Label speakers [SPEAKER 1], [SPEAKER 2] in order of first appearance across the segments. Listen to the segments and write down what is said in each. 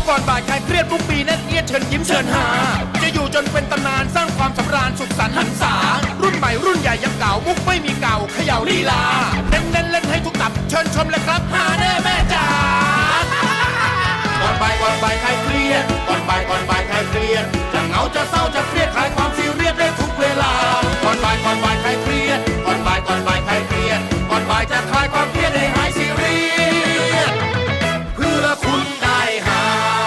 [SPEAKER 1] ก่อนบ่ายคลายเครียดทุกปีแน่นเอียดเชิญยิ้มเชิญหาจะอยู่จนเป็นตำนานสร้างความสำราญสุขสันต์หันษารุ่นใหม่รุ่นใหญ่ยังเก่ามุกไม่มีเก่าเขย่าลีลาเน้นเล่นให้ทุกตับเชิญชมเลยครับหาแน่แม่จ๋าก่อนบ่ายคลายเครียดก่อนบ่ายคลายเครียดจะเหงาจะเศร้าจะเครียดคลายความซีเรียสได้ทุกเวลาก่อนบ่ายคลายเครียดก่อนบ่ายคลายเครียดก่อนบ่ายจะคลายความเครียดให้หายซีเรียสเพื่อคุณได้หา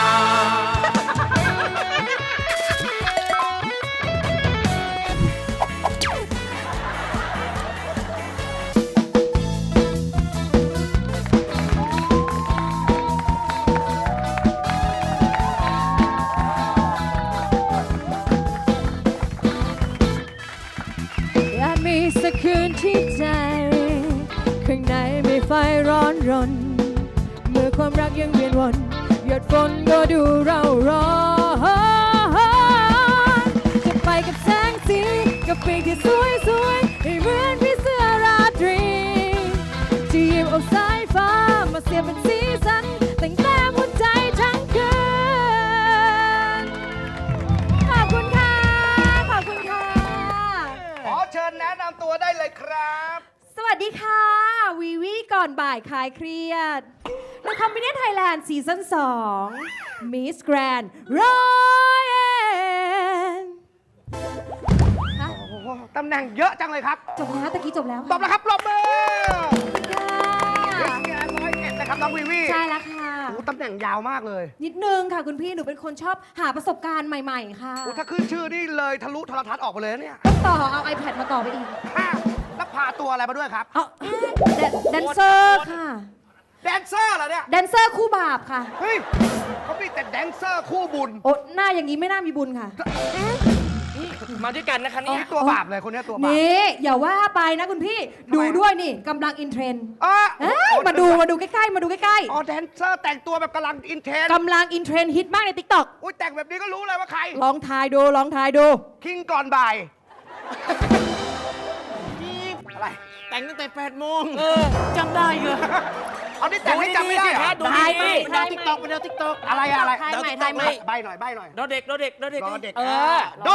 [SPEAKER 2] อยากมีสักคืนที่ใจข้างในมีไฟร้อนรนเมื่อความรักยังเวียนวนหยดฝนก็ดูเราร้อนจะไปกับแสงสีกับปีกที่สวยให้เหมือนพี่เสื้อราตรีที่หยิบเอาสายฟ้ามาเสียบเป็นสีสันแต่งแต้มหัวใจทั้งคืนขอบคุณค่ะขอบคุณค่ะ
[SPEAKER 3] ขอเชิญแนะนำตัวได้เลยครับ
[SPEAKER 2] สวัสดีค่ะ วีวีก่อนบ่ายคลายเครียดในคอมบิเนียนไทยแลนด์ซีซั่น2 Miss Grand Royal ฮะ
[SPEAKER 3] โอ้โหตำแหน่งเยอะจังเลยครับ
[SPEAKER 2] จบแล้วตะกี้จบแล้ว
[SPEAKER 3] ตบแล้วครับปรบมือ
[SPEAKER 2] ค่ะ
[SPEAKER 3] งาน101นะครับน้องวีวี
[SPEAKER 2] ใช่แล้วค่ะ
[SPEAKER 3] โอ้ตำแหน่งยาวมากเลย
[SPEAKER 2] นิดนึงค่ะคุณพี่ หนูเป็นคนชอบหาประสบการณ์ใหม่ๆ ค่ะ
[SPEAKER 3] โอ้ถ้าขึ้นชื่อนี่เลยทะลุโทรทัศน์ออกไปเลยนะเนี่ย
[SPEAKER 2] ต้องต่อเอา iPad มาต่อไปอีก
[SPEAKER 3] อ้าวแล้วพาตัวอะไรมาด้วยครับ
[SPEAKER 2] เอาแดนเซอร์ค่ะ
[SPEAKER 3] แดนเซอร์เหรอเนี่ย
[SPEAKER 2] แดนเซอร์คู่บาปค่ะ
[SPEAKER 3] เฮ้ยเขามีแต่แดนเซอร์คู่บุญ
[SPEAKER 2] โอ้หน้าอย่างนี้ไม่น่ามีบุญค่ะ
[SPEAKER 4] มาด้วยกันนะคะเนี่ย
[SPEAKER 3] ตัวบาปเลยคนเนี้ยตัวบาป
[SPEAKER 2] นี่อย่าว่าไปนะคุณพี่
[SPEAKER 3] ทำไม
[SPEAKER 2] ดูด้วยนี่กำลังอินเทรนด์
[SPEAKER 3] อ๋อ
[SPEAKER 2] เอ้ยมาดูใกล้ๆ มาดูใกล้
[SPEAKER 3] อ๋อแดนเซอร์แต่งตัวแบบกำลังอินเทน
[SPEAKER 2] ๆกำลังอินเทรนด์ฮิตมากใน TikTok
[SPEAKER 3] อุ้ยแต่งแบบนี้ก็รู้เลยว่าใคร
[SPEAKER 2] ลองทายดูลองทายดู
[SPEAKER 3] คิงก่อนบ่าย อะไร
[SPEAKER 4] แต่งตั้งแต่8 โมงจำได้เหรอ
[SPEAKER 3] เอานี่แต่งให้จำไม่ได้เหรอ
[SPEAKER 4] ดูดีๆไปดาวติ๊กต็อกไปดาวติ๊กต็อก
[SPEAKER 3] อะไรอะไร
[SPEAKER 2] ทายใหม่
[SPEAKER 4] ดาว
[SPEAKER 2] ทายใหม่
[SPEAKER 3] ใบหน่อยใบหน่อย
[SPEAKER 4] รอเด็ก
[SPEAKER 3] รอเด็ก
[SPEAKER 4] เออ
[SPEAKER 3] โด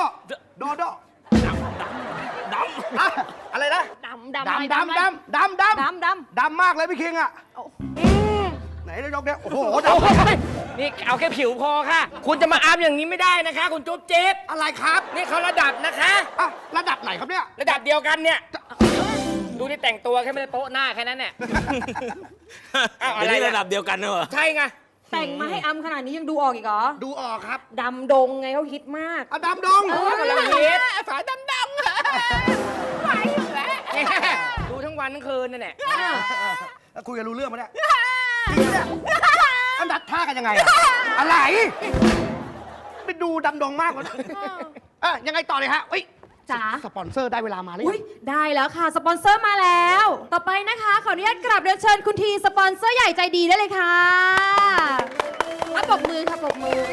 [SPEAKER 3] อ่ะอะไรนะ
[SPEAKER 2] ดำ
[SPEAKER 3] ดำดำมากเลยพี่คิงอ่ะไหนนายกเนี่ยโอ้โหดำ
[SPEAKER 4] นี่เอาแค่ผิวพอค่ะ คุณจะมาอัพอย่างนี้ไม่ได้นะคะ คุณจุ๊บจิ๊บ
[SPEAKER 3] อะไรครับ
[SPEAKER 4] นี่เขาระดับนะคะ
[SPEAKER 3] อ่ะระดับไหนครับเนี่ย
[SPEAKER 4] ระดับเดียวกันเนี่ย ดูที่แต่งตัวแค่ไม่ได้โป๊ะหน้าแค่นั้นเนี่ยอ้าวอะไร
[SPEAKER 5] ระดับเดียวกันเนอะ
[SPEAKER 4] ใช่ไง
[SPEAKER 2] แต่งมาให้อำขนาดนี้ยังดูออกอีกเหรอ
[SPEAKER 3] ดูออกครับ
[SPEAKER 2] ดำดงไงเขาฮิตมาก
[SPEAKER 3] อ่ะดำดง
[SPEAKER 4] กำลังฮิต
[SPEAKER 2] ฝาดำไหวอยู่แล้ว
[SPEAKER 4] ดูทั้งวันทั้งคืนนั่นแหละ
[SPEAKER 3] แล้วคุยกันรู้เรื่องไหมเนี่ยจริงเนี่ยอันดัดท่ากันยังไงอะอะไรไปดูดำดงมากกว่ายังไงต่อเลยฮะเฮ้ย
[SPEAKER 2] จ๋า
[SPEAKER 3] สปอนเซอร์ได้เวลามาหรือ
[SPEAKER 2] อุ้
[SPEAKER 3] ยั
[SPEAKER 2] ย
[SPEAKER 3] ง
[SPEAKER 2] ได้แล้วค่ะ สปอนเซอร์มาแล้ว ต่อไปนะคะ ขออนุญาตกราบเรียนเชิญคุณทีสปอนเซอร์ใหญ่ใจดีได้เลยค่ะปรบมือค่ะปรบมือ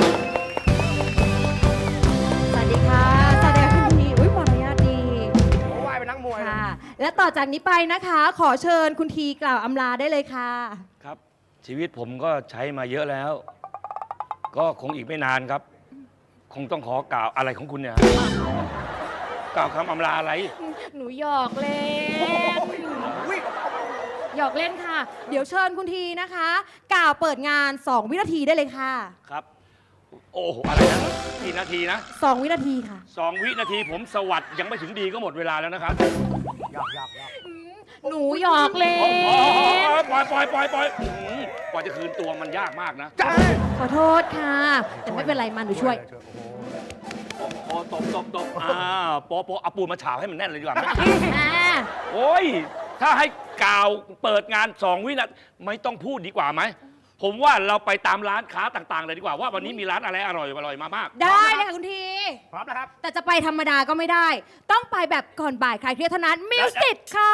[SPEAKER 2] สวัสดีค่ะ สวัสดีค่ะคุณทีอุ้ยมารยาทดี
[SPEAKER 3] เขาไหว้เป็นนักมวยเลย
[SPEAKER 2] ค่ะ และต่อจากนี้ไปนะคะ ขอเชิญคุณทีกล่าวอำลาได้เลยค่ะ
[SPEAKER 5] ครับ ชีวิตผมก็ใช้มาเยอะแล้ว ก็คงอีกไม่นานครับ คงต้องขอกล่าวอะไรของคุณเนี่ยกล่าวคำอำลาอะไร
[SPEAKER 2] หนูหยอกเล่น
[SPEAKER 3] อุ้ย
[SPEAKER 2] หยอกเล่นค่ะ เดี๋ยวเชิญคุณทีนะคะ กล่าวเปิดงาน 2 วินาทีได้เลยค่ะ
[SPEAKER 5] ครับ โอ้โหอะไรนะกี่นาทีนะ
[SPEAKER 2] 2 วินาทีค่ะ
[SPEAKER 5] 2 วินาทีผมสวัสดิ์ยังไม่ถึงดีก็หมดเวลาแล้วนะครับ
[SPEAKER 3] หยอก
[SPEAKER 2] หนูหยอกเล่
[SPEAKER 5] โอ้โห
[SPEAKER 2] น
[SPEAKER 5] ปล่อยกว่าจะคืนตัวมันยากมากนะ
[SPEAKER 3] จ้า
[SPEAKER 2] ขอโทษค่ะ แต่ไม่เป็นไรมาหนูช่วย
[SPEAKER 5] โอ้โหตบโป๊ะเอาปูนมาฉาบให้มันแน่นเลยดีกว่าไหม
[SPEAKER 2] อ่า
[SPEAKER 5] โอ้ย ถ้าให้กล่าวเปิดงาน 2 วินาทีไม่ต้องพูดดีกว่าไหม ผมว่าเราไปตามร้านค้าต่างๆ เลยดีกว่าว่าวันนี้มีร้านอะไรอร่อยมามาก
[SPEAKER 2] ได้เลยค่ะคุณที
[SPEAKER 3] พร้อมนะครับ
[SPEAKER 2] แต่จะไปธรรมดาก็ไม่ได้ ต้องไปแบบก่อนบ่ายคลายเครียดเท่านั้นมิวสิกค่ะ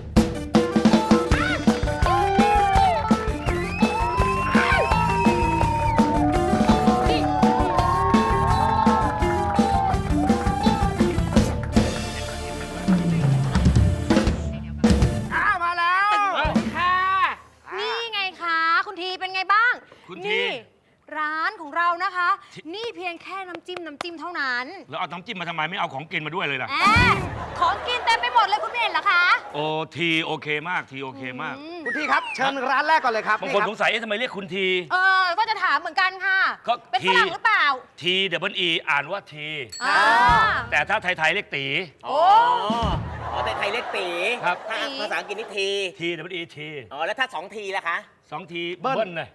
[SPEAKER 3] มาแล้ว
[SPEAKER 4] ค่ะ
[SPEAKER 2] นี่ไงคะ คุณทีเป็นไงบ้าง
[SPEAKER 5] คุณที
[SPEAKER 2] นี่นี่เพียงแค่น้ำจิ้มเท่านั้น
[SPEAKER 5] แล้วเอาน้ำจิ้มมาทำไมไม่เอาของกินมาด้วยเลยล่ะ
[SPEAKER 2] แอบของกินเต็มไปหมดเลยคุณไม่เห็นเหรอคะ
[SPEAKER 5] โอ้ทีโอเคมากทีโอเคมาก
[SPEAKER 3] คุณทีครับ เชิญร้านแรกก่อนเลยครับ
[SPEAKER 5] บาง
[SPEAKER 3] นี่
[SPEAKER 5] คน
[SPEAKER 3] ครั
[SPEAKER 5] สงสัยเอ๊ะทำไมเรียกคุณที
[SPEAKER 2] ก็จะถามเหมือนกันค่ะ
[SPEAKER 5] ก็
[SPEAKER 2] เป็น
[SPEAKER 5] ที
[SPEAKER 2] ฝรั่งหรือเปล่า
[SPEAKER 5] ทีเดบิลอีอ่านว่าที
[SPEAKER 2] อ่า
[SPEAKER 5] แต่ถ้าไทยๆเรียกตี
[SPEAKER 2] โอ้
[SPEAKER 4] อ๋อแต่ไทยเรียกตี
[SPEAKER 5] ครับ
[SPEAKER 4] ถ้าภาษาอังกฤษนี่ที
[SPEAKER 5] ทีเดบิลอีที
[SPEAKER 4] อ๋อ แล้วถ้า2 ทีล่ะคะ
[SPEAKER 5] 2 ทีเบิ้ลเลย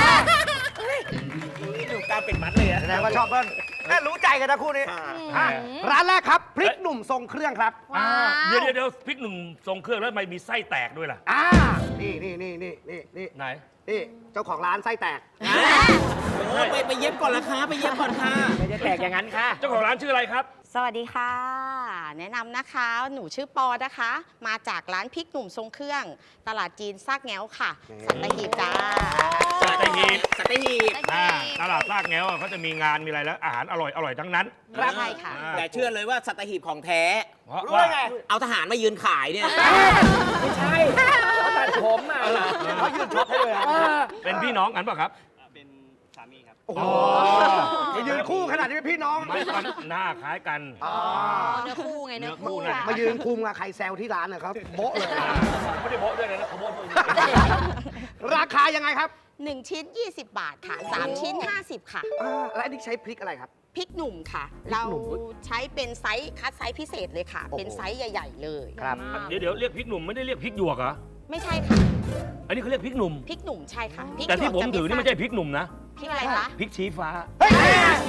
[SPEAKER 4] ดูการเป็นมัดเลยอะ
[SPEAKER 3] แสดงว่าชอบเบิ้ลรู้ใจกันนะคู่นี้
[SPEAKER 4] ค่ะ
[SPEAKER 3] อ่ะร้านแรกครับ พริกหนุ่มทรงเครื่องครับ
[SPEAKER 2] ว้าว
[SPEAKER 5] เดี๋ยวพริกหนุ่มทรงเครื่องแล้วทำไมมีไส้แตกด้วยล่ะ
[SPEAKER 3] นี่
[SPEAKER 5] ไหน
[SPEAKER 3] นี่เจ้าของร้านไส้แตก
[SPEAKER 4] ไปเย็บก่อนละคะไปเย็บก่อนค่ะไม่จะแตกอย่างนั้นค่ะ
[SPEAKER 5] เจ้าของร้านชื่ออะไรครับ
[SPEAKER 6] สวัสดีค่ะ แนะนำนะคะ หนูชื่อปอนะคะ มาจากร้านพริกหนุ่มทรงเครื่อง ตลาดจีนซากแง้วค่ะ สัตหีบจ้า
[SPEAKER 5] สัตหีบ
[SPEAKER 4] สัตหีบ
[SPEAKER 5] ตลาดลากแง้วอะเขาจะมีงานมีอะไรแล้วอาหารอร่อยทั้งนั้น
[SPEAKER 6] ใช่ค่ะ
[SPEAKER 4] แต่เชื่อเลยว่าสัตหีบของแท้
[SPEAKER 5] เพราะ
[SPEAKER 3] รู้
[SPEAKER 5] ว่า
[SPEAKER 3] ได้ไง
[SPEAKER 4] เอาทหารมายืนขายเนี่ย ไม่ใช่เขาตัดผมอ่ะ
[SPEAKER 3] เขายืนช็อปให้เลยอะ
[SPEAKER 5] เป็นพี่น้องกันเปล่ะครับ
[SPEAKER 4] เป็นสามีครับ
[SPEAKER 3] โอ้โหมายืนคู่ขนาดนี้เป็นพี่น้อง
[SPEAKER 5] ไม่มันหน้าคล้ายกัน
[SPEAKER 2] เนื้อคู่ไงเนื้อ
[SPEAKER 5] เนื้อคู่
[SPEAKER 2] คู่
[SPEAKER 5] น่ะ
[SPEAKER 3] มายืนคุมกับใครแซวที่ร้านนะครับโบ๊ะเลย
[SPEAKER 5] ไม่ได้โบ๊ะด้วยนะเขาโบ๊ะด้วย
[SPEAKER 3] ราคายังไงครับ
[SPEAKER 6] 1 ชิ้น 20 บาทค่ะ 3 ชิ้น 50 ค่ะ
[SPEAKER 3] และอันนี้ใช้พริกอะไรครับ
[SPEAKER 6] พริกหนุ่มค่ะ เราใช้เป็นไซส์คัดไซส์พิเศษเลยค่ะ
[SPEAKER 3] โอ้โห
[SPEAKER 6] เป็นไซส์ใหญ่ ๆ เลย
[SPEAKER 3] ครับ
[SPEAKER 5] เดี๋ยวเรียกพริกหนุ่มไม่ได้เรียกพริกหยวกเหรอ
[SPEAKER 6] ไม่ใช่ค่ะ
[SPEAKER 5] อันนี้เขาเรียกพริกหนุ่ม
[SPEAKER 6] พริกหนุ่มใช่ค่ะพริก
[SPEAKER 5] แต่ที่ผม
[SPEAKER 6] หยวกจะ
[SPEAKER 5] ถือนี่ไม่ใช่พริกหนุ่มนะ
[SPEAKER 6] พริกอะไรคะ
[SPEAKER 5] พริกชี้ฟ้า
[SPEAKER 3] เฮ้ย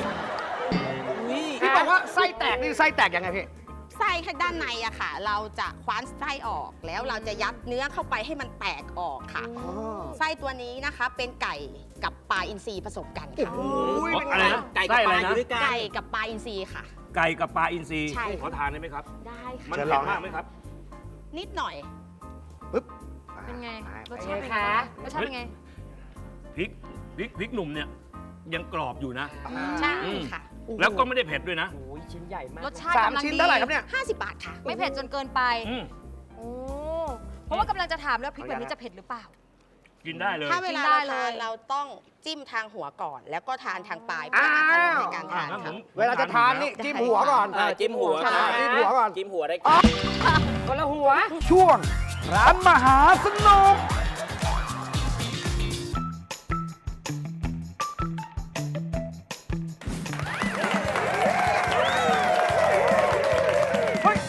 [SPEAKER 3] พี่บอกว่าไส้แตกนี่ไส้แตกยังไงพี่
[SPEAKER 6] ไส้ข้างด้านในอะค่ะ เราจะคว้านไส้ออก แล้วเราจะยัดเนื้อเข้าไปให้มันแตกออกค่ะ ไส้ตัวนี้นะคะเป็นไก่กับปลาอินทรีผสมกันค่ะ
[SPEAKER 3] อุ้ย
[SPEAKER 5] อะไรนะ
[SPEAKER 4] ไก่กับ
[SPEAKER 5] ไส้
[SPEAKER 4] ป
[SPEAKER 5] อะไร
[SPEAKER 4] ลาอ
[SPEAKER 5] นะ
[SPEAKER 4] ยู่ด้วยกัน
[SPEAKER 6] ไก่กับปลาอินทรีค่ะ
[SPEAKER 5] ไก่กับปลาอินทรี
[SPEAKER 6] ใช่
[SPEAKER 5] ขอทานได้ไหมครับ
[SPEAKER 6] ได้ค่ะ
[SPEAKER 5] มัน
[SPEAKER 3] เชิญ
[SPEAKER 5] เผ็
[SPEAKER 3] ล
[SPEAKER 5] ด
[SPEAKER 3] อง
[SPEAKER 5] มากไหมครับ
[SPEAKER 6] นิดหน่อย
[SPEAKER 3] ปึ๊บ
[SPEAKER 2] เป็นไง
[SPEAKER 3] ไป
[SPEAKER 2] รสชาติเป็นไงรสชาติเป็นไง
[SPEAKER 5] พริกหนุ่มเนี่ยยังกรอบอยู่นะ
[SPEAKER 6] ใช่
[SPEAKER 5] อืม
[SPEAKER 6] ค่ะ
[SPEAKER 5] แล้วก็ไม่ได้เผ็ดด้วยนะ
[SPEAKER 4] โอ้ยชิ้นใหญ่มาก
[SPEAKER 2] รสชาติ
[SPEAKER 3] สาม
[SPEAKER 2] กำลัง
[SPEAKER 3] ชิ้น
[SPEAKER 2] ดี
[SPEAKER 3] เท่าไหร่ครับเนี่ย
[SPEAKER 6] 50 บาทค่ะ
[SPEAKER 2] ไม่เผ็ดจนเกินไป
[SPEAKER 5] อืม
[SPEAKER 2] โอ้เพราะว่ากำลังจะถามแล้วพริกแบบนี้จะเผ็ดหรือเปล่า
[SPEAKER 5] กินได้เลย
[SPEAKER 6] ถ้าเวลา
[SPEAKER 2] กินได้
[SPEAKER 6] เรา
[SPEAKER 2] เล
[SPEAKER 6] ทาน
[SPEAKER 2] ย
[SPEAKER 6] เราต้องจิ้มทางหัวก่อน แล้วก็ทานทางปลายเพื่ออรรถรสในการทาน
[SPEAKER 5] งั้นผ
[SPEAKER 6] ค่ะ
[SPEAKER 5] ม
[SPEAKER 3] เวลาจะทานนี่จิ้มหัวก่อน
[SPEAKER 4] จิ้มหัว
[SPEAKER 3] ใช่จิ้มหัวก่อน
[SPEAKER 4] จิ้มหัวได้
[SPEAKER 2] คนละหัว
[SPEAKER 3] ช่วง ร้านมหาสนุก เฮ้ย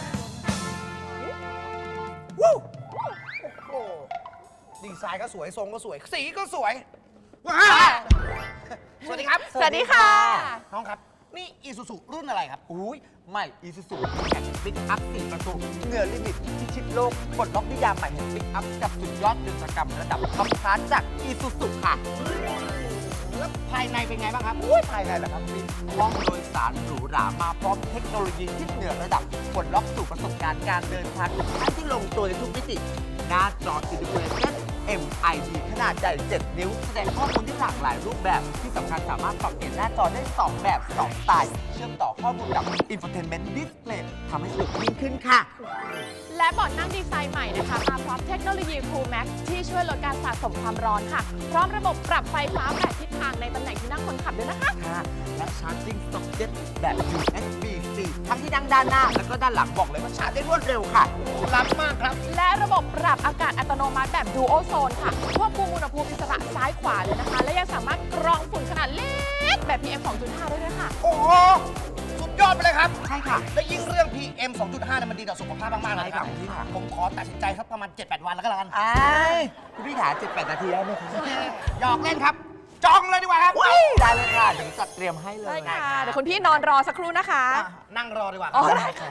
[SPEAKER 3] วู้โอ้โหดีไซน์ก็สวย ทรงก็สวย สีก็สวย ว้าวสวัสดีครับ
[SPEAKER 2] สวัสดีค่ะ
[SPEAKER 3] น้องครับ นี่อีซูซูรุ่นอะไรครับ
[SPEAKER 7] อุ้ยใหม่อีซูซูแข่งปิกอัพ4ประตูเหนือลิมิตพิชิตโลกปลดล็อกนิยามใหม่แห่งปิกอัพกับสุดยอดยนตกรรมระดับท็อปคลาสจากอีซูซูค่ะ
[SPEAKER 3] แล้วภายในเป็นไงบ้างครับ
[SPEAKER 7] อุ้ยภายในแหละครับพี่ห้องโดยสารหรูหรามาพร้อมเทคโนโลยีที่เหนือระดับปลดล็อกสู่ประสบการณ์การเดินทางทุกขั้นที่ลงตัวในทุกมิติ หน้าจอ Integration MID ขนาดใหญ่ 7 นิ้ว แสดงข้อมูลที่หลากหลายรูปแบบ ที่สำคัญสามารถปรับเปลี่ยนหน้าจอได้ 2 แบบ 2 สไตล์ เชื่อมต่อข้อมูลกับ Infotainment Display ทำให้สนุกยิ่งขึ้นค่ะ
[SPEAKER 8] และเบาะนั่งดีไซน์ใหม่นะคะ มาพร้อมเทคโนโลยี Cool Max ที่ช่วยลดการสะสมความร้อนค่ะ พร้อมระบบปรับไฟฟ้าแบบทิศทางในตำแหน่งที่นั่งคนขับด้วยนะคะ
[SPEAKER 7] ค่ะและ Charging Socket แบบ USB-C ทั้งที่นั่งด้านหน้า แล้วก็ด้านหลังบอกเลยว่าชาร์จได้รวดเร็วค่ะ
[SPEAKER 3] ล้ำมากครับ
[SPEAKER 8] และระบบปรับอากาศอัตโนมัติแบบ Duo Zone ค่ะ ควบคุมอุณหภูมิอิสระซ้ายขวาเลยนะคะ และยังสามารถกรองฝุ่นขนาดเล็กแบบ PM 2.5 ได้ด้วยค่ะ
[SPEAKER 3] โอ้โห สุดยอดไปเลยครับ
[SPEAKER 7] ใช่ค่ะ
[SPEAKER 3] และยิ่งเรื่อง PM 2.5เนี่ยมันดีต่อสุขภาพมากๆเลยนะครับ
[SPEAKER 7] ใช่ค่ะ
[SPEAKER 3] ผมขอตัดสินใจครับประมาณ 7-8 วันแล้วก็แล้วกัน
[SPEAKER 7] อ้ายคุณพี่ถา7-8 นาทีได้ไหมคะ
[SPEAKER 3] หยอกเล่นครับ จองเลยดีกว่าครับ
[SPEAKER 7] ได้เลยค่ะ เดี๋ยวจัดเตรียมให้เลย
[SPEAKER 8] ได้ค่ะ เดี๋ยวคุณพี่นอนรอสักครู่นะคะ
[SPEAKER 3] อ่ะนั่งรอดีกว่า
[SPEAKER 8] อ๋อ
[SPEAKER 3] ได้ค่ะ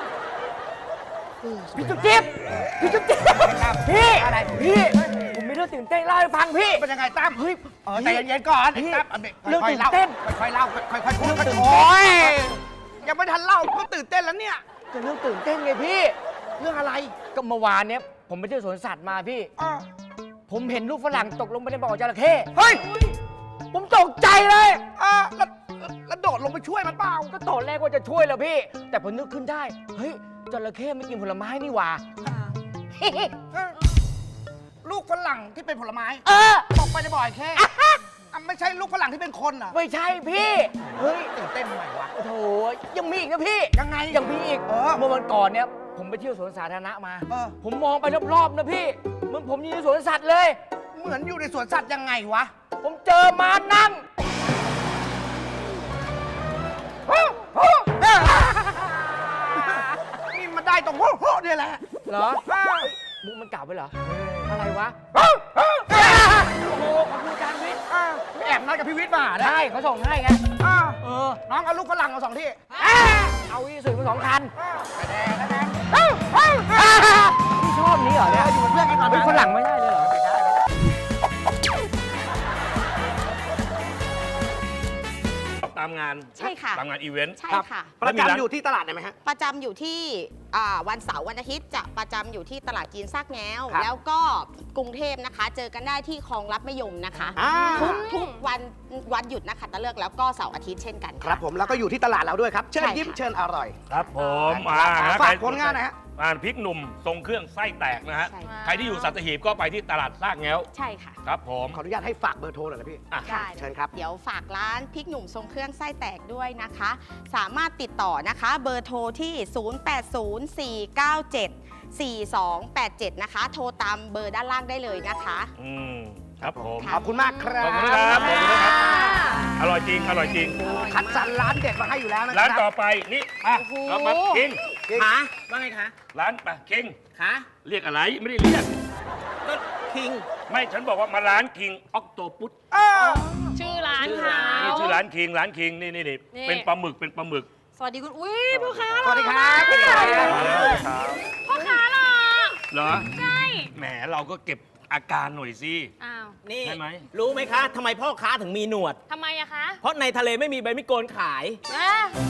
[SPEAKER 4] พี่จุ๊บจิ๊บพี่จุ๊บจิ๊บ
[SPEAKER 3] ครับ
[SPEAKER 4] พี่
[SPEAKER 3] อะไร
[SPEAKER 4] พี่ ผมมีเรื่องตื่นเต้นเล่าให้ฟังพี่
[SPEAKER 3] เป็นยังไงตั้มเฮ้ยใจเย็นๆก่อน
[SPEAKER 4] พี่
[SPEAKER 3] ตั้มเอาเด็ก
[SPEAKER 4] เรื่อง
[SPEAKER 3] ค่อย
[SPEAKER 4] ตื่
[SPEAKER 3] ๆ
[SPEAKER 4] น
[SPEAKER 3] เล่า
[SPEAKER 4] เต้น
[SPEAKER 3] ค่อยๆเล่าค่อยๆพูด
[SPEAKER 4] เรื่องตื่น
[SPEAKER 3] โอ้ย
[SPEAKER 4] เต้น
[SPEAKER 3] ยังไม่ทันเล่าก็ตื่นเต้นแล้วเนี่ย
[SPEAKER 4] ก็เรื่องตื่นเต้นไงพี่
[SPEAKER 3] เรื่องอะไร
[SPEAKER 4] ก็เมื่อวานเนี้ยผมไปเที่ยวสวนสัตว์มาพี่
[SPEAKER 3] อ่ะ
[SPEAKER 4] ผมเห็นลูกฝรั่งตกลงไปในบ่อจระเข้
[SPEAKER 3] เฮ้ย
[SPEAKER 4] ผมตกใจเลย
[SPEAKER 3] แล้วโดดลงไปช่วยมันเปล่า
[SPEAKER 4] ก็ตอนแรกว่าจะช่วยแล้วพี่ แต่พอนึกขึ้นได้ เฮ้ยจระเข้ไม่กินผลไม้นี่หว่า
[SPEAKER 3] ลูกฝรั่งที่เป็นผลไม้
[SPEAKER 4] เออ
[SPEAKER 3] ตกไปในบ่อยแค่ไม่ใช่ลูกฝรั่งที่เป็นคนเหรอ
[SPEAKER 4] ไม่ใช่พี่
[SPEAKER 3] เฮ้ยตื่นเต้นทำไมวะ
[SPEAKER 4] โอ้โถยังมีอีกนะพี่
[SPEAKER 3] ยังไง
[SPEAKER 4] ยังมีอีก เมื่อวันก่อนเนี่ยผมไปเที่ยวสวนสาธารณะมา ผมมองไปรอบๆนะพี่เหมือนผมอยู่ในสวนสัตว์เลย
[SPEAKER 3] เหมือนอยู่ในสวนสัตว์ยังไงวะ
[SPEAKER 4] ผมเจอม้านั่ง
[SPEAKER 3] นี่มันได้ตรงโฮเนี่ยแหละ
[SPEAKER 4] เหรอมุกมันเก่าไปเหรอ อะไรวะ โอ้โหขอบคุณอาจารย์วิทย์
[SPEAKER 3] ไปแอบนัดกับพี่วิทย์มาเนี่ย
[SPEAKER 4] ใช่เขาส่งให้ไง
[SPEAKER 3] น้องเอาลูกฝรั่งเอา2 ที่
[SPEAKER 4] เอาอีสื่อมา2 คันพี่ชอบนี้เหรอเนี่ย
[SPEAKER 3] อยู่เป็นเพื่อนกันก่อน
[SPEAKER 4] เป็นคนหลังไม่ได้เลยเหรอ
[SPEAKER 5] ตามงาน
[SPEAKER 6] ใช่ค่ะ
[SPEAKER 5] ตามงานอีเวนต์
[SPEAKER 6] ใช่ค่ะ
[SPEAKER 3] ประจำอยู่ที่ตลาดไหนไหมฮะ
[SPEAKER 6] ประจำอยู่ที่วันเสาร์วันอาทิตย์จะประจำอยู่ที่ตลาดจีนซากแง้ว
[SPEAKER 3] ครับ
[SPEAKER 6] แล้วก็กรุงเทพนะคะ เจอกันได้ที่คลองรับมะยมนะคะ ทุกวันหยุดนะคะตะเลิกแล้วก็เสาร์อาทิตย์เช่นกัน
[SPEAKER 3] ค
[SPEAKER 6] ค่ะ
[SPEAKER 3] รับผมแล้วก็อยู่ที่ตลาดเราด้วยครับ เชิญ
[SPEAKER 6] ใช่ค่ะ
[SPEAKER 3] ยิ้มเชิญอร่อย
[SPEAKER 5] ครับผม
[SPEAKER 3] ฝากผลงานหน่อยฮะ
[SPEAKER 5] พริกหนุ่มทรงเครื่องไส้แตกนะฮะ
[SPEAKER 6] ใช่ค่ะ
[SPEAKER 5] ใครที่อยู่สัตหีบก็ไปที่ตลาดซากแง้ว
[SPEAKER 6] ใช่ค่ะ
[SPEAKER 5] ครับผม
[SPEAKER 3] ขออนุญาตให้ฝากเบอร์โทรหน่อยนะพี่
[SPEAKER 5] อ่ะ
[SPEAKER 6] ได้
[SPEAKER 3] เชิญครับ
[SPEAKER 6] เดี๋ยวฝากร้านพริกหนุ่มทรงเครื่องไส้แตกด้วยนะคะ สามารถติดต่อนะคะเบอร์โทรที่ 0804974287 นะคะ โทรตามเบอร์ด้านล่างได้เลยนะคะ
[SPEAKER 5] ครับผม
[SPEAKER 6] ค่ะ
[SPEAKER 3] ขอบคุณมากครับ
[SPEAKER 5] ขอบคุณครับขอบคุณนะครับ อร่อยจริง อร่อยจริง
[SPEAKER 3] คัดสรรร้านเด็ดมาให้อยู่แล้วนะค
[SPEAKER 5] ร้าน
[SPEAKER 3] รับ
[SPEAKER 5] ต่อไปนี่มาเรามาคิง
[SPEAKER 7] คะว่าไงคะ
[SPEAKER 5] ร้านไปคิง
[SPEAKER 7] คะ
[SPEAKER 5] เรียกอะไรไม่ได้เรียก
[SPEAKER 7] ก็คิง
[SPEAKER 5] ไม่ฉันบอกว่ามาร้านคิงออกโตปุต
[SPEAKER 8] ชื่อร้านเขา
[SPEAKER 5] นี่ชื่อร้านคิงนี่เป็นปลาหมึกเป็นปลาหมึก
[SPEAKER 2] สวัสดีคุณ อุ้ยพ่อค้า
[SPEAKER 3] สวัสดีครับ
[SPEAKER 2] พ่อค้าเหรอ
[SPEAKER 5] เหรอ
[SPEAKER 2] ใช่
[SPEAKER 5] แหมเราก็เก็บอาการหน่อยสิ
[SPEAKER 2] อ้าว
[SPEAKER 7] นี่
[SPEAKER 5] ใช่ไหม
[SPEAKER 7] รู้ไหมคะทำไมพ่อค้าถึงมีหนวด
[SPEAKER 2] ทำไมอะคะ
[SPEAKER 7] เพราะในทะเลไม่มีใบมิโกนขาย
[SPEAKER 2] อ่ะ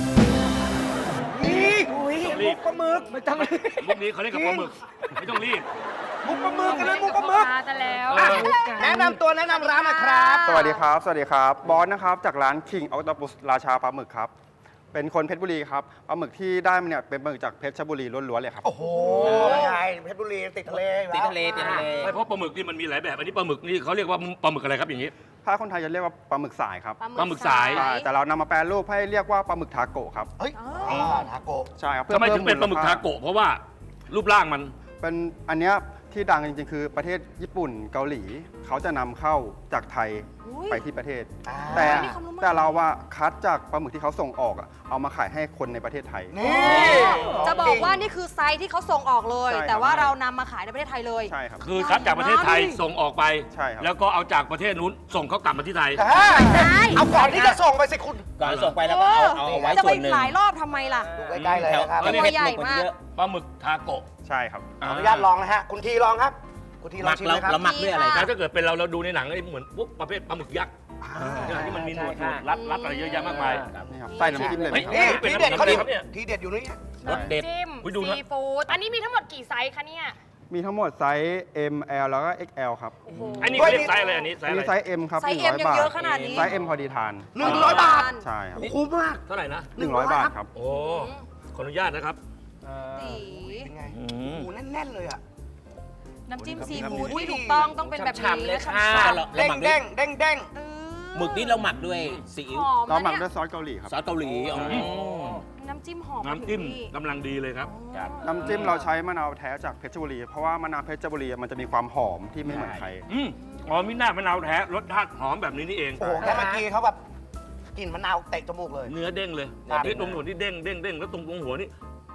[SPEAKER 3] นี่
[SPEAKER 5] รีบ
[SPEAKER 3] ปลาหมึกไม่ต้อง
[SPEAKER 5] มุกนี้เขาเรียกกับปลาหมึกไม่ต้องรีบ
[SPEAKER 3] มุกปลาหมึกกันเลยมุกปลาหมึก
[SPEAKER 2] มาแต่แล้ว
[SPEAKER 3] อ่ะแนะนำตัวแนะนำร้านหนะครับ
[SPEAKER 9] สวัสดีครับ สวัสดีครับ บอสนะครับ จากร้าน King Octopus ราชาปลาหมึกครับ เป็นคนเพชรบุรีครับ ปลาหมึกที่ได้มาเนี่ยเป็นปลาหมึกจากเพชรบุรีล้วนๆเลยครับ
[SPEAKER 3] โอ้โหไงเพชรบุรีติดทะเลอยู่
[SPEAKER 7] ติด
[SPEAKER 3] แล้ว
[SPEAKER 7] ทะเลติดทะเล
[SPEAKER 5] ไม่เพราะปลาหมึกนี่มันมีหลายแบบ อันนี้ปลาหมึกนี่เขาเรียกว่าปลาหมึกอะไรครับอย่างนี้
[SPEAKER 9] ถ้าคนไทยจะเรียกว่าปลาหมึกสายครับ
[SPEAKER 5] ปลาหมึกสาย
[SPEAKER 9] ใช่แต่เรานำมาแปรรูปให้เรียกว่าปลาหมึกทาโกะครับ
[SPEAKER 3] เฮ้ยทาโกะ
[SPEAKER 9] ใช่ครับ
[SPEAKER 5] ทำไมถึงเป็นปลาหมึกทาโกะเพราะว่ารูปร่างมัน
[SPEAKER 9] เป็นอันเนี้ยที่ดังจริงๆ คือประเทศญี่ปุ่นเกาหลี เขาจะนำเข้าจากไทยไปที่ประเทศ แต่เราว่าคัดจากปลาหมึกที่เขาส่งออกอะเอามาขายให้คนในประเทศไทย
[SPEAKER 3] นี่
[SPEAKER 2] จะบอกว่านี่คือไซส์ที่เขาส่งออกเลย
[SPEAKER 9] ใช่ครับ
[SPEAKER 2] แต่ว่าเรานำมาขายในประเทศไทยเลย
[SPEAKER 9] ใช่ครับ
[SPEAKER 5] คือคัดจากประเทศไทยส่งออกไป
[SPEAKER 9] ใช่ครับ
[SPEAKER 5] แล้วก็เอาจากประเทศนู้นส่งเขากลับมาที่ไทย
[SPEAKER 3] เอาก่อนที่จะส่งไปสิคุณ
[SPEAKER 7] ก่อนส่งไปแล้วก็เอาไว้
[SPEAKER 2] จะ
[SPEAKER 7] ส่
[SPEAKER 2] ไป
[SPEAKER 7] วนหนึ่ง
[SPEAKER 2] หลายรอบทำไมล่ะ
[SPEAKER 3] ดูใกล้ๆเลยนะครับ
[SPEAKER 5] แถว
[SPEAKER 2] ตัวใหญ่มาก
[SPEAKER 5] ปลาหมึกทาโกะ
[SPEAKER 9] ใช่ครับ
[SPEAKER 3] ขออนุญาตลองนะฮะ คุณทีลองครับ คุณทีล
[SPEAKER 7] ห
[SPEAKER 3] อ
[SPEAKER 7] มั
[SPEAKER 3] ง
[SPEAKER 7] ก
[SPEAKER 3] ชิม
[SPEAKER 7] เรา
[SPEAKER 3] เลยครับ
[SPEAKER 7] เราหมักด้วยอะไร
[SPEAKER 5] แต่
[SPEAKER 7] ครับ
[SPEAKER 5] ถ้าเกิดเป็นเราดูในหนังไอ้เหมือนพวกประเภทปลาหมึกยักษ์ที่มันมีหนวดรัดอะไรเยอะแยะมากมาย
[SPEAKER 9] นี่ครับใส่น้ำจิ้มเลยไหมครับ
[SPEAKER 5] เฮ้ย
[SPEAKER 3] ทีเด็ดเขาดิ
[SPEAKER 5] ครับเนี่ย
[SPEAKER 3] ทีเด็ดอยู่นี่
[SPEAKER 7] รสเด็ด
[SPEAKER 2] จิ้ม
[SPEAKER 5] อุ๊ยดูนะ
[SPEAKER 2] ซีฟู้ดอันนี้มีทั้งหมดกี่ไซส์คะเนี่ย
[SPEAKER 9] มีทั้งหมดไซส์ M L แล้วก็ XL ครับ
[SPEAKER 5] อันนี้เขาเรียกไซส์อะไรอันนี้ไซส์
[SPEAKER 9] อัน
[SPEAKER 5] อะไร
[SPEAKER 9] นี้ไซส์ M ครับ
[SPEAKER 2] ไซส์ M
[SPEAKER 9] 100
[SPEAKER 2] ยัง
[SPEAKER 9] บาท
[SPEAKER 2] เยอะขนาดนี้
[SPEAKER 9] ไซส์ M พอดีทาน
[SPEAKER 3] 100 บาท
[SPEAKER 9] ใช่ครับ
[SPEAKER 3] คุ้มมาก
[SPEAKER 5] เท่าไหร่นะ
[SPEAKER 9] 100 บาทครับ
[SPEAKER 5] โอ้ขออนุญาตนะครับ
[SPEAKER 2] ตี
[SPEAKER 3] เป็นไง
[SPEAKER 5] อื
[SPEAKER 3] ห
[SPEAKER 5] ม
[SPEAKER 3] มูแน่นๆเลยอ่ะ
[SPEAKER 2] น้ำจิ้มซี
[SPEAKER 3] ครับ
[SPEAKER 2] ฟู้ด
[SPEAKER 3] อุ้ย
[SPEAKER 2] ที่ถูกต้องต้องเป็นแบบ
[SPEAKER 7] ฉ่ำๆ
[SPEAKER 2] นี้
[SPEAKER 7] เลย
[SPEAKER 2] และ
[SPEAKER 7] ค่ะ
[SPEAKER 2] ฉ่ำ
[SPEAKER 7] เรา
[SPEAKER 3] เด้ง
[SPEAKER 7] หมักด้ว
[SPEAKER 3] เด้
[SPEAKER 7] ย
[SPEAKER 3] งเด้งเด้ง
[SPEAKER 2] ๆเออ
[SPEAKER 7] หมึกนี่เราหมักด้วยซีอิ๊ว
[SPEAKER 2] หอม
[SPEAKER 9] เราหมัก
[SPEAKER 2] นะ
[SPEAKER 9] ด้
[SPEAKER 2] เนี่
[SPEAKER 9] วย ยซอสเกาหลีครับ
[SPEAKER 7] ซอสเกาหลีอ๋อ
[SPEAKER 2] น้ำจิ้มหอม
[SPEAKER 5] น้ำจิ้ม
[SPEAKER 2] ถึงที่
[SPEAKER 5] กำลังดีเลยครับ
[SPEAKER 9] น้ำจิ้มเราใช้มะนาวแท้จากเพชรบุรี เพราะว่ามะนาวเพชรบุรีมันจะมีความหอมที่ไม่เหมือนใคร
[SPEAKER 5] อ๋อมิน่ามะนาวแท้รสชาติหอมแบบนี้นี่เอง
[SPEAKER 3] โอ้โหแค่เมื่อกี้เขาแบบกลิ่นมะนาวเตะจมูกเลย
[SPEAKER 5] เนื้อเด้งเลย
[SPEAKER 3] ครับ
[SPEAKER 5] นี่ตรงหัวนี่เด้งเด้งเด้งแล้วตรงหัวนี่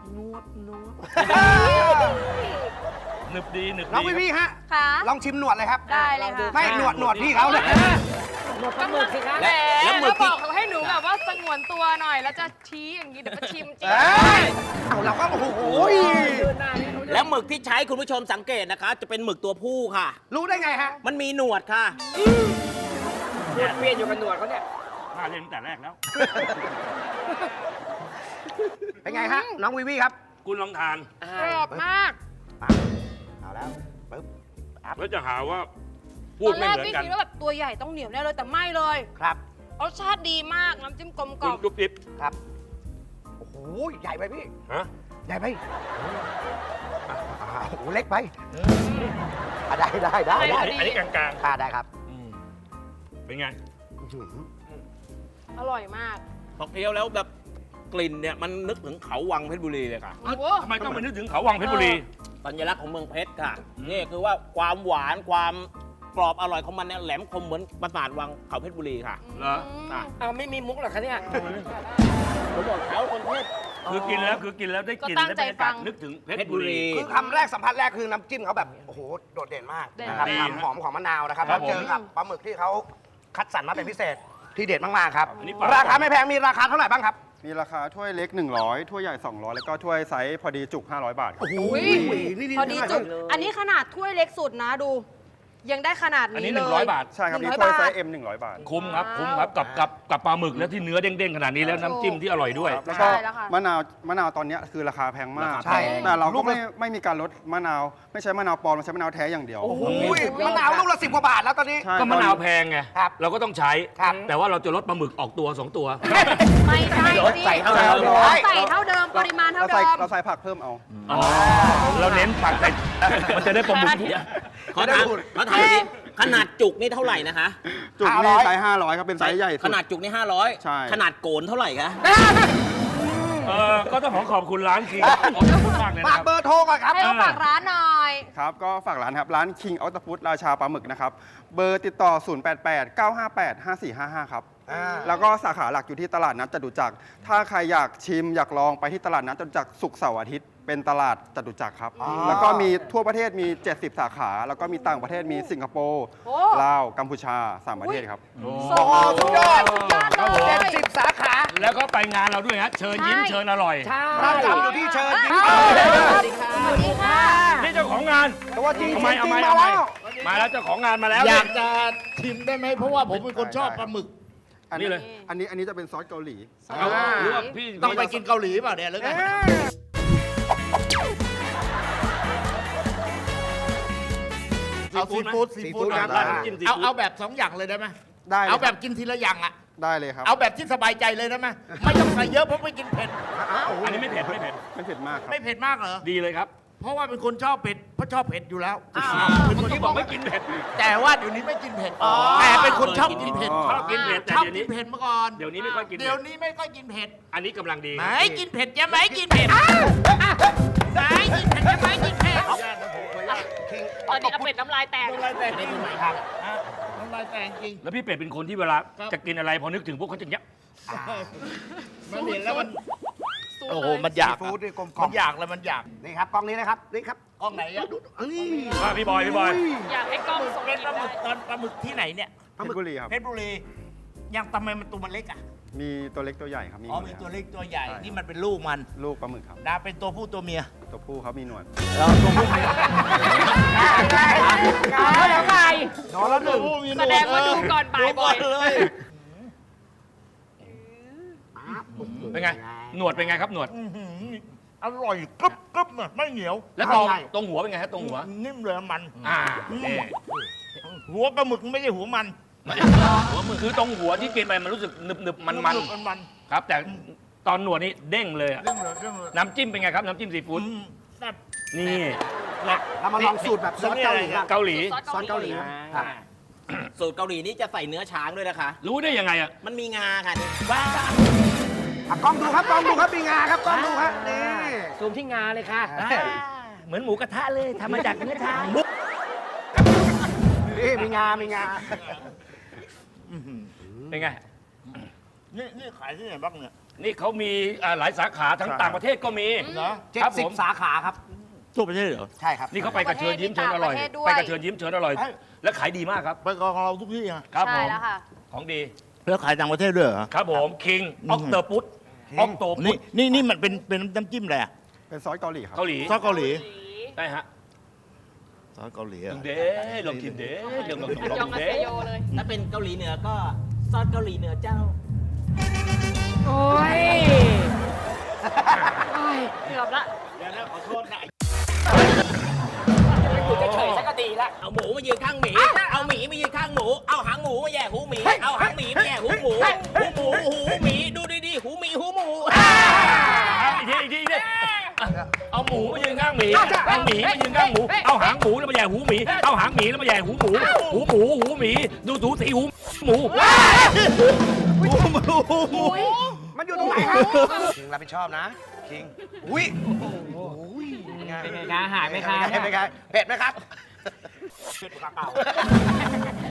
[SPEAKER 5] หนึบดีหนึบ
[SPEAKER 3] น้อง
[SPEAKER 5] ดี
[SPEAKER 3] พี่ฮะ
[SPEAKER 2] ค่ะ
[SPEAKER 3] ลองชิมหนวดเลยครับ
[SPEAKER 2] ได้เลยค่ะ
[SPEAKER 3] ไม่หนวดพี่เขาเลย
[SPEAKER 2] ปลาหมึกสิคะ
[SPEAKER 7] แล้วหมึ
[SPEAKER 8] แล้
[SPEAKER 7] ก
[SPEAKER 8] วบ
[SPEAKER 7] ที่
[SPEAKER 8] อกเขาให้หนูแบบว่าสงวนตัวหน่อย แล้วจะชี้อย่างนี้เดี๋ยวมาชิมจริง
[SPEAKER 3] เอ้ยเอาเราก็โอ้โห
[SPEAKER 7] แล้วหมึกที่ใช้คุณผู้ชมสังเกตนะคะ จะเป็นหมึกตัวผู้ค่ะ
[SPEAKER 3] รู้ได้ไงฮะ
[SPEAKER 7] มันมีหนวดค่ะ
[SPEAKER 4] หนวดเปลี่ยนอยู่กับหนวดเขาเนี่ย
[SPEAKER 5] น่าเล่นตั้งแต่แรกแล้ว
[SPEAKER 3] เป็นไงฮะ น้องวิวีครับ
[SPEAKER 5] คุณลองทาน
[SPEAKER 8] กรอบมาก
[SPEAKER 3] เอาแล้วปึ๊บ
[SPEAKER 5] แล้วจะหาว่าพู
[SPEAKER 2] ต
[SPEAKER 5] ด
[SPEAKER 2] อน
[SPEAKER 5] ไม่
[SPEAKER 2] แรก
[SPEAKER 5] เหมือ
[SPEAKER 2] พี่
[SPEAKER 5] นกัน
[SPEAKER 2] คิดว่าแบบตัวใหญ่ต้องเหนียวแน่เลยแต่ไม่เลย
[SPEAKER 3] ครับ
[SPEAKER 2] รสชาติดีมากน้ำจิ้มกลมก
[SPEAKER 5] คุ
[SPEAKER 2] ล่
[SPEAKER 5] ณ
[SPEAKER 2] อม
[SPEAKER 5] จุ๊บจิ๊บ
[SPEAKER 3] ครับ โอ้โห ใหญ่ไปพี่
[SPEAKER 5] ฮะ
[SPEAKER 3] ใหญ่ไปโอ้โห เล็กไปได้
[SPEAKER 5] อันนี้กลาง
[SPEAKER 3] ได้ครับ
[SPEAKER 5] ๆเป็นไง
[SPEAKER 8] อร่อยมาก
[SPEAKER 10] พอเคี้ยวแล้วแบบกลิ่นเนี่ยมันนึกถึงเขาวังเพชรบุรีเลยค่ะ
[SPEAKER 8] โอ้โห
[SPEAKER 5] ทำไมต้องไปนึกถึงเขาวังเพชรบุรี
[SPEAKER 10] สัญลักษณ์ของเมืองเพชรค่ะ นี่คือว่าความหวานความกรอบอร่อยของมันเนี่ยแหลมคมเหมือนปราสาทวังเขาเพชรบุรีค่ะ
[SPEAKER 5] เหรอ
[SPEAKER 10] ค่ะ
[SPEAKER 4] เอาไม่มีมุกเหรอคะเนี่ย
[SPEAKER 10] ผมบอกเขาคนเพชร
[SPEAKER 5] คือกินแล้วได้กลิ่น
[SPEAKER 8] ก็ตั้ง
[SPEAKER 5] ได้บ
[SPEAKER 8] ใจ
[SPEAKER 5] รรยากาศ
[SPEAKER 8] ฟัง
[SPEAKER 5] นึกถึงเพ
[SPEAKER 10] เพ
[SPEAKER 5] ช
[SPEAKER 10] ช
[SPEAKER 5] ร
[SPEAKER 10] ร
[SPEAKER 5] บุ
[SPEAKER 10] บุ
[SPEAKER 5] รี
[SPEAKER 10] รี
[SPEAKER 3] คือคำแรกสัมผัสแรกคือน้ำจิ้มเขาแบบ โอ้โห โดดเด่นมาก
[SPEAKER 8] เด่น
[SPEAKER 3] นะครับ
[SPEAKER 5] ดี
[SPEAKER 3] ความ
[SPEAKER 5] นะ
[SPEAKER 3] หอมของมะนาวนะครับ
[SPEAKER 5] ครั
[SPEAKER 3] แล้
[SPEAKER 5] บ
[SPEAKER 3] วเจอกับปลาหมึกที่เขาคัดสรรมาเป็นพิเศษที่เด็ดมาก ๆ ครับ
[SPEAKER 5] อันนี้ปลา
[SPEAKER 3] ราคาไม่แพง มีราคาเท่าไหร่บ้างครับ
[SPEAKER 9] มีราคาถ้วยเล็ก 100 ถ้วยใหญ่ 200 แล้วก็ถ้วยไซส์พอดีจุก 500 บาทครับ
[SPEAKER 2] อุ๊ย พอดีจุกอันนี้ขนาดถ้วยเล็กสุดนะดู ยังได้ขนาด
[SPEAKER 5] อัน
[SPEAKER 2] นี้
[SPEAKER 5] นี้
[SPEAKER 2] เลย
[SPEAKER 5] 100 บาท
[SPEAKER 9] ใช่ครับ
[SPEAKER 2] 100
[SPEAKER 9] นี่ถ้วยไซ
[SPEAKER 2] บาท
[SPEAKER 9] ส์ M 100 บาท
[SPEAKER 5] คุ้มครับกับปลาหมึกแล้วที่เนื้อเด้งๆขนาดนี้แล้วน้ำจิ้มที่อร่อยด้วย
[SPEAKER 9] ครับแล้วก็
[SPEAKER 2] ใช่แล้วค่ะ
[SPEAKER 9] มะนาวตอนเนี้ยคือราคาแพงมาก
[SPEAKER 5] ราคาแพง
[SPEAKER 9] แต่เราก็ไม่มีการลดมะนาว ไม่ใช้มะนาวปลอมเราใช้มะนาวแท้อย่างเดียว
[SPEAKER 3] โอ้โหมะนาวลูกละ10 กว่าบาทแล้วตอนนี้
[SPEAKER 9] ใช่
[SPEAKER 5] ก็มะนาวแพงไง
[SPEAKER 3] ครับ
[SPEAKER 5] เราก็ต้องใช้
[SPEAKER 3] ครับ
[SPEAKER 5] แต่ว่าเราจะลดปลาหมึกออกตัว 2 ตัว
[SPEAKER 2] ไม่ใช่สิ
[SPEAKER 10] ใส่เท่าเดิม
[SPEAKER 2] ใส่เท่าเดิมปริมาณเท่าเดิม
[SPEAKER 9] เราใส่ผักเพิ่มเอา
[SPEAKER 5] อ๋อ เราเน้นผักแต่มันจะได้ปลาหมึก
[SPEAKER 10] ขอถามทีขนาดจุกนี่เท่าไหร่นะคะ
[SPEAKER 9] จุกนี่ไซส์500 ครับ เป็นไซส์ใหญ่สุ
[SPEAKER 10] ข
[SPEAKER 9] ด
[SPEAKER 10] นาดจุกนี่
[SPEAKER 9] ใช่
[SPEAKER 10] 500 ขนาดโกนเท่าไหร่คะ
[SPEAKER 5] ก็ต้องขอบคุณร้านคิงขอบคุณมากเลย
[SPEAKER 3] ฝา
[SPEAKER 5] นะ
[SPEAKER 3] ก
[SPEAKER 5] ครับ
[SPEAKER 3] เบอร์โทรก่อนครับ
[SPEAKER 2] ให้เขาฝากร้านหน่อย
[SPEAKER 9] ครับ ก็ฝากร้านครับ ร้าน King Octopus ราชาปลาหมึกนะครับ เบอร์ติดต่อ 088-958-5455 ครับ แล้วก็สาขาหลักอยู่ที่ตลาดนัดจตุจักร ถ้าใครอยากชิมอยากลองไปที่ตลาดนัดจตุจักรศุกร์เสาร์อาทิตย์ เป็นตลาดจตุจักรครับ แล้วก็มีทั่วประเทศมี 70 สาขา แล้วก็มีต่างประเทศมีสิงคโปร์
[SPEAKER 2] โอ้
[SPEAKER 9] ลาว กัมพูชา 3 ประเทศครับ
[SPEAKER 2] ส่ง
[SPEAKER 3] สุดยอด
[SPEAKER 2] สุดยอด
[SPEAKER 5] ครับผม
[SPEAKER 2] เลย
[SPEAKER 3] 70 สาขา
[SPEAKER 5] แล้วก็ไปงานเราด้วยฮะเชิญยิ้ม
[SPEAKER 2] ใช่
[SPEAKER 5] เชิญอร่อย
[SPEAKER 3] เราจำอยู่ที่เชิญยิ้ม
[SPEAKER 2] สวัสดีค่ะ
[SPEAKER 5] นี่เจ้าของงาน
[SPEAKER 3] ตัวจริง
[SPEAKER 5] ทำไม
[SPEAKER 3] จริง
[SPEAKER 5] เอา
[SPEAKER 3] ๆ
[SPEAKER 5] ไม
[SPEAKER 3] มาแล้ว
[SPEAKER 5] มาแล้วเจ้าของงานมาแล้ว
[SPEAKER 11] อยากจะชิมได้ไหมเพราะว่าผมเป็นคนชอบปลาหมึก
[SPEAKER 5] นี่เลย
[SPEAKER 9] อันนี้จะเป็นซอสเกาหลี
[SPEAKER 5] เอาหรือว่าพี่
[SPEAKER 11] ต้องไปกินเกาหลีเปล่าเนี่ยหรือไง เอาซีฟู้ดซีฟู้ด
[SPEAKER 3] ซีฟู้ดครับ
[SPEAKER 11] ได้
[SPEAKER 5] น้ำจิ้มซี
[SPEAKER 11] เอา
[SPEAKER 5] ฟู้ด
[SPEAKER 11] เอาแบบ2 อย่างเลยได้ไหม
[SPEAKER 9] ได้เลย
[SPEAKER 11] เอาแบบ
[SPEAKER 9] ครับ
[SPEAKER 11] กินทีละอย่างอ่ะ
[SPEAKER 9] ได้เลยครับ
[SPEAKER 11] เอาแบบที่สบายใจเลยได้ไหมไม่ต้องใส่เยอะเพราะไม่กินเผ็ด
[SPEAKER 5] อันนี้ไม่เผ็ดไม่เผ็ด
[SPEAKER 9] ไม่เผ็ดมากครับ
[SPEAKER 11] ไม่เผ็ดมากเหรอ
[SPEAKER 5] ดีเลยครับ
[SPEAKER 11] เพราะว่าเป็นคนชอบเผ็ดเพราะชอบเผ็ดอยู่แล้ว
[SPEAKER 5] เป็นคนที่บอกไม่กินเผ็ด
[SPEAKER 11] แต่ว่าเดี๋ยวนี้ไม่กินเผ็ดแต่เป็นคนชอบกินเผ็ด
[SPEAKER 5] ชอบกินเผ็ดแต่
[SPEAKER 11] ชอบ
[SPEAKER 5] เดี๋ยว
[SPEAKER 11] กิ
[SPEAKER 5] นี้
[SPEAKER 11] นเผ็ดมาก่อน
[SPEAKER 5] เดี๋ยวนี้ไม่ค่อยกิน
[SPEAKER 11] เดี๋ยวนี้ไม่ค่อยกินเผ็ด
[SPEAKER 5] อันนี้กำลังดี
[SPEAKER 11] ไหนกินเผ็ดจะไหมกินเผ็ดไหนกินเผ็ดจะไหมกินเผ็ด
[SPEAKER 8] ตอนนี้เอาเป็ดน้ำลายแตก
[SPEAKER 11] น้ำลายแตกจริงครับน้ำลายแตกจริง
[SPEAKER 5] แล้วพี่เป็ดเป็นคนที่เวลาจะกินอะไรพอนึกถึงพวกเขาจะเนี้ย
[SPEAKER 11] มันเห็นแล้วมัน
[SPEAKER 8] สู้
[SPEAKER 11] โอ้โห
[SPEAKER 8] เลย
[SPEAKER 11] มันอยาก
[SPEAKER 3] ซีฟู้ดนี่กลมกล่
[SPEAKER 11] มั
[SPEAKER 3] อม
[SPEAKER 11] นอยากแล้วมันอยาก
[SPEAKER 3] นี่ครับกล้องนี้นะครับ นี่ครับ
[SPEAKER 11] กล้องไหนอะ
[SPEAKER 5] ว่าพี่บอย
[SPEAKER 8] อยากให้กล้องส่ง
[SPEAKER 11] เป็น
[SPEAKER 8] กิน
[SPEAKER 11] ปลาหมึ
[SPEAKER 8] ได้
[SPEAKER 11] กตอนปลาหมึกที่ไหนเนี่ย
[SPEAKER 9] เพชรบุรีครับ
[SPEAKER 11] เพชรบุรียังทำไมมันตัวมันเล็กอ่ะ
[SPEAKER 9] มีตัวเล็กตัวใหญ่ครับ มี
[SPEAKER 11] อ๋อ
[SPEAKER 9] หน
[SPEAKER 11] มี
[SPEAKER 9] ด
[SPEAKER 11] ตัวเล็กตัวใหญ่
[SPEAKER 9] ใช่
[SPEAKER 11] นี่มันเป็นลูกมัน
[SPEAKER 9] ลูกปลาหมึกครับ
[SPEAKER 11] ดาเป็นตัวผู้ตัวเมีย
[SPEAKER 9] ตัวผู้เขามีหนวด
[SPEAKER 4] เอาแล้วไง
[SPEAKER 3] โดนแล้วหนึ่ง
[SPEAKER 8] แสดงว่าดูก่อนบ่ายบ่อย
[SPEAKER 11] เลย
[SPEAKER 5] เป็นไง หนวดเป็นไงครับหนวด
[SPEAKER 11] อื้อหืออร่อยกรึบกรึบอะไม่เหนียว
[SPEAKER 5] แล้วตรงหัวเป็นไงฮะตรงหัว
[SPEAKER 11] นิ่มเลยมัน
[SPEAKER 5] นี่
[SPEAKER 11] หัวปลาหมึกไม่ใช่หัวมัน
[SPEAKER 5] หัวมือคือตรงหัวที่กินไปมันรู้สึกหนึบๆมัน
[SPEAKER 11] มัน
[SPEAKER 5] ๆครับ แต่ตอนหนวดนี่เด้งเลยอะ
[SPEAKER 11] เรื่องเลยเรื่องเลย
[SPEAKER 5] น้ำจิ้มเป็นไงครับน้ำจิ้มซีฟู้ด
[SPEAKER 11] แซ่บ
[SPEAKER 5] นี่
[SPEAKER 3] เรามาลองสูตรแบบซอสเกาหลีครับ
[SPEAKER 5] เกาหลี
[SPEAKER 3] ซอสเกาหลีครับ
[SPEAKER 10] สูตรเกาหลีนี่จะใส่เนื้อช้างด้วยนะคะ
[SPEAKER 5] รู้ได้ยังไงอ่ะ
[SPEAKER 10] มันมีงาค่ะนี่
[SPEAKER 3] อ่ะกล้องดูครับกล้องดูครับมีงาครับกล้องดูครับนี่
[SPEAKER 4] ซูมที่งาเลยค่ะเหมือนหมูกระทะเลยทำมาจากเนื้อช้าง
[SPEAKER 3] นี่มีงา มีงา
[SPEAKER 5] เป็นไง
[SPEAKER 11] นี่ขายที่ไหนบ้างเนี่ย
[SPEAKER 5] นี่เขามีหลายสาขาทั้งต่างประเทศก็มี
[SPEAKER 11] เหรอ
[SPEAKER 5] ครับผม
[SPEAKER 3] 70 สาขาครับ
[SPEAKER 11] ทั่วประเทศเหรอ
[SPEAKER 3] ใช่ครับ
[SPEAKER 5] นี่เขาไปกระเชิญยิ้มเชิญอร่อย
[SPEAKER 2] ประเทศด้วย
[SPEAKER 5] ไปกระเชิญยิ้มเชิญอร่อย และขายดีมากครับ
[SPEAKER 11] ไปกองเราทุกที่อะ
[SPEAKER 5] ครับผ
[SPEAKER 2] ใช่
[SPEAKER 5] ม
[SPEAKER 2] แล้วค่ะ
[SPEAKER 5] ของดี
[SPEAKER 11] แล้วขายต่างประเทศด้วยเหรอ
[SPEAKER 5] ครับผมคิงออกเตอร์พุตออกโตพุ
[SPEAKER 11] นี่
[SPEAKER 5] ต
[SPEAKER 11] นี่มันเป็นน้ำจิ้มอะไรอะ
[SPEAKER 9] เป็นซอสเกาหลีครับ
[SPEAKER 5] เกาหลี
[SPEAKER 11] ซอสเกาหลี
[SPEAKER 5] ใช่ฮะ
[SPEAKER 11] ซอสเกาหลีอะ
[SPEAKER 5] เด้ลองกินเด้ลอง
[SPEAKER 8] ยองอา
[SPEAKER 5] เด้
[SPEAKER 8] เซโยเลย
[SPEAKER 10] ถ้าเป็นเกาหลีเหนือก็ซอสเกาหลีเหนือเจ้า
[SPEAKER 4] โอ้ย
[SPEAKER 8] เกือบละ
[SPEAKER 11] เดี๋ยวนะขอโทษนะ
[SPEAKER 4] อยู่เฉยๆสักก็ดีละ
[SPEAKER 10] เอาหมูมายืนข้างหมี เอาหมีมายืนข้างหมู เอาหางหมูมาแย่หูหมี เอาหางหมีมาแย่หูหมู หูหมี ดูดีๆหูหมีหูหมู
[SPEAKER 5] อีกทีเอาหมูมายืนข้างหหมีเอาหมีมายืนข้างหมูเอาหางหมูแล้วมาแย่หูหมีเอาหางหมีแล้วมาแย่หูหมูหูหมีดูถูสีหูหมู
[SPEAKER 3] มันอยู่ตรงไหนครับคิงรับผิดชอบนะคิงอุ้ยเป็นไง
[SPEAKER 4] เป็นไงคะหายไหมคะ
[SPEAKER 3] เป็นไงเผ็ดไหมครับ
[SPEAKER 10] เผ็ดกว่าเก่า